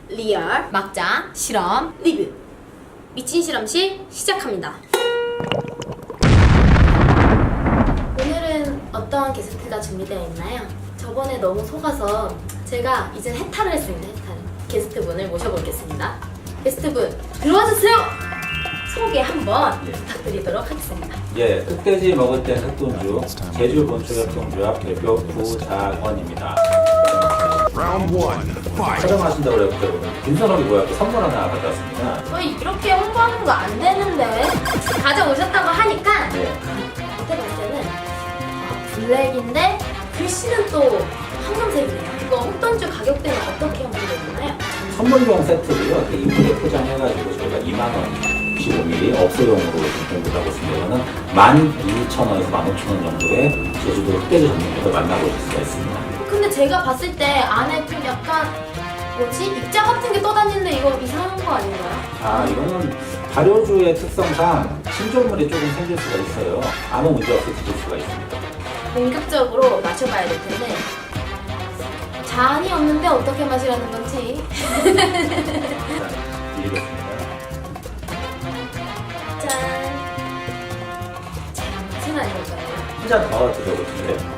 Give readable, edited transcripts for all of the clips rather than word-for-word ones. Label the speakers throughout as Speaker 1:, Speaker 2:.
Speaker 1: 리얼
Speaker 2: 막장 실험
Speaker 1: 리뷰 미친 실험실 시작합니다. 오늘은 어떤 게스트가 준비되어 있나요? 저번에 너무 속아서 제가 이젠 해탈을 했습니다. 해탈. 게스트분을 모셔보겠습니다. 게스트분 들어와주세요. 소개 한번 부탁드리도록 하겠습니다.
Speaker 3: 예, 흑돼지 먹을 땐 흑돈주, 제주 본초협동조합 대표 구자원입니다. 촬영하신다고 그랬고 김선욱이 뭐야? 또 선물 하나 가져왔습니다.
Speaker 1: 저희 이렇게 홍보하는 거 안 되는데 가져오셨다고 하니까
Speaker 3: 네.
Speaker 1: 그때 봤을 때는 블랙인데 글씨는 또 황금색이네요. 이거 흑돈주 가격대는 어떻게 형성되나요?
Speaker 3: 선물용 세트고요. 이렇게 이쁘게 포장해가지고 저희가 2만원 15mm 업소용으로 공부를 하고 있습니다. 이거는 12,000원에서 15,000원 정도의 제주도 흑돼지 전문점에서 만나보실 수가 있습니다.
Speaker 1: 근데 제가 봤을 때 안에 좀 약간 뭐지? 입자 같은 게 떠다니는데 이거 이상한 거 아닌가요?
Speaker 3: 아, 이거는 발효주의 특성상 신조물이 조금 생길 수가 있어요. 아무 문제 없이 드실 수가 있습니다.
Speaker 1: 본격적으로 마셔봐야 될 텐데 잔이 없는데 어떻게 마시라는 건지.
Speaker 3: 일단 드리겠습니다.
Speaker 1: 짠. 제가 맛은 아닐까요?
Speaker 3: 한 잔 더 드셔보실래요?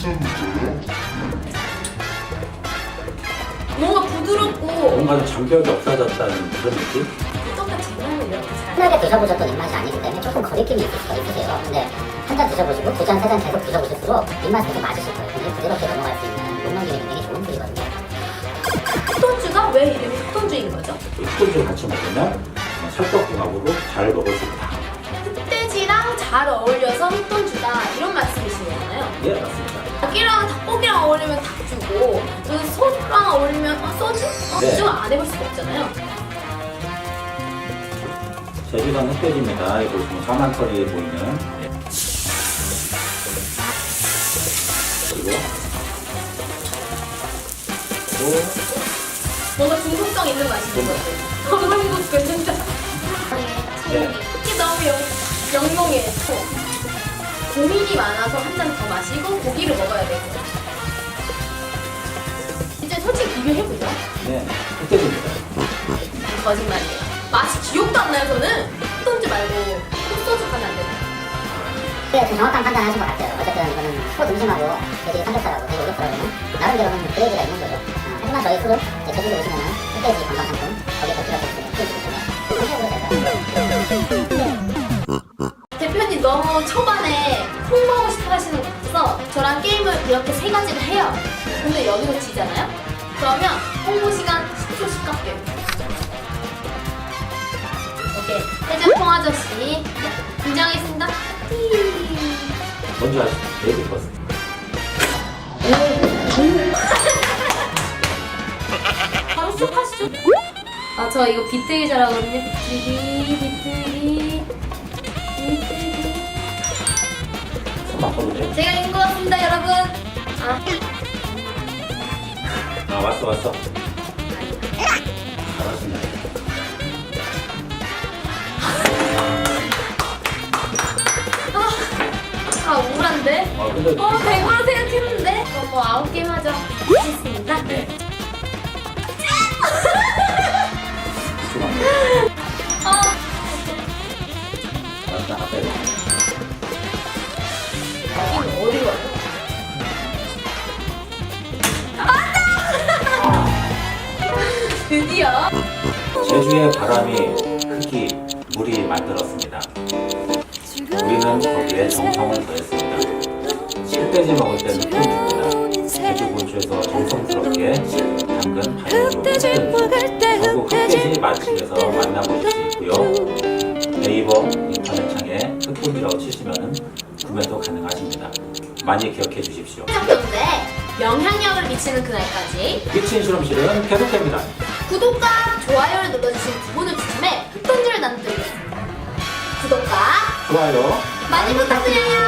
Speaker 1: 뭔가 부드럽고
Speaker 3: 뭔가 좀 장벽이 없어졌다는 그런 느낌?
Speaker 1: 똑같이 제가 이렇게 잘.
Speaker 4: 흔하게 드셔보셨던 입맛이 아니기 때문에 조금 거리낌이 있을 수가 있으세요. 근데 한 잔 드셔보시고 두 잔, 세 잔 계속 드셔보실수록 입맛이 계속 맞으실 거예요. 굉장히 부드럽게 넘어갈 수 있는 용넘김이 굉장히 좋은 술이거든요.
Speaker 1: 흑돈주가 왜 이름이 흑돈주인 거죠?
Speaker 3: 흑돈주 같이 먹으면 찰떡궁합으로 잘 먹을 수 있다.
Speaker 1: 흑돼지랑 잘 어울려서 흑돈주다 이런 말씀이시잖아요.
Speaker 3: 예, 맞습니다.
Speaker 1: 닭이랑 닭고기랑 어울리면 닭주고 소주랑 어울리면 소주?
Speaker 3: 네.
Speaker 1: 소주 안 해볼 수가 없잖아요.
Speaker 3: 제주산 흑돼지입니다. 여기 보시면 사만털이 보이는. 예. 그리고
Speaker 1: 뭔가 중독성 있는 맛인 것 같아요. 너무 행복해 진짜.
Speaker 3: 네.
Speaker 1: 특히 너무 영롱해. 고민이 많아서 한 잔 더 마시고 고기를 먹어야 되고. 이제 솔직히 비교해보죠.
Speaker 3: 네, 흑돼지입니다.
Speaker 1: 거짓말이에요. 맛이 기억도 안 나요 저는. 흑돈주 말고 흑소주 하면 안 되나요?
Speaker 4: 네, 좀 정확한 판단을 하신 것 같아요. 어쨌든 이거는 소 등심하고 돼지 삼겹살하고 돼지 오겹살하고는 나름대로는 그레이드가 있는 거죠. 하지만 저희 술은 이제 제주도 오시면은 흑돼지 관광 상품 거기에 곁들여서 드시면
Speaker 1: 대표님 너무 초반에 홍보하고 싶어 하시는 것 같아서 저랑 게임을 이렇게 세 가지를 해요. 근데 여기서 지잖아요? 그러면 홍보 시간 10초씩 깎여요. 오케이. 해장통 아저씨 등장하겠습니다.
Speaker 3: 먼저 하시죠. 레이드 버스.
Speaker 1: 바로 시작하시죠. 아, 저 이거 비트기 잘하거든요. 비트기.
Speaker 3: 손 바꿔보세요.
Speaker 1: 제가 이긴 것 같습니다, 여러분.
Speaker 3: 아, 왔어. 잘하시네.
Speaker 1: 우울한데?
Speaker 3: 근데
Speaker 1: 100으로 생각했는데? 뭐 9게임 하죠. 하겠습니다.
Speaker 3: 네. 맞다, 앞에.
Speaker 1: 여기는 어디로 와요? 드디어
Speaker 3: 제주의 바람이, 흙이, 물이 만들었습니다. 우리는 거기에 정성을 더했습니다. 흑돼지 먹을 때는 흑돈주입니다. 제주 본초에서 정성스럽게 담근 발효로 흑돈주. 전국 흑돼지 맛집에서 만나보실 수 있고요. 네이버 인터넷창에 흑돈주라고 치시면 구매도 가능하십니다. 많이 기억해 주십시오.
Speaker 1: 시작되는데 영향력을 미치는 그날까지
Speaker 3: 미친 실험실은 계속됩니다.
Speaker 1: 구독과 좋아요를 눌러주신 두 분을 추첨해 흑돈주를 나눠드리겠습니다. 구독과
Speaker 3: 좋아요.
Speaker 1: 많이 부탁드려요.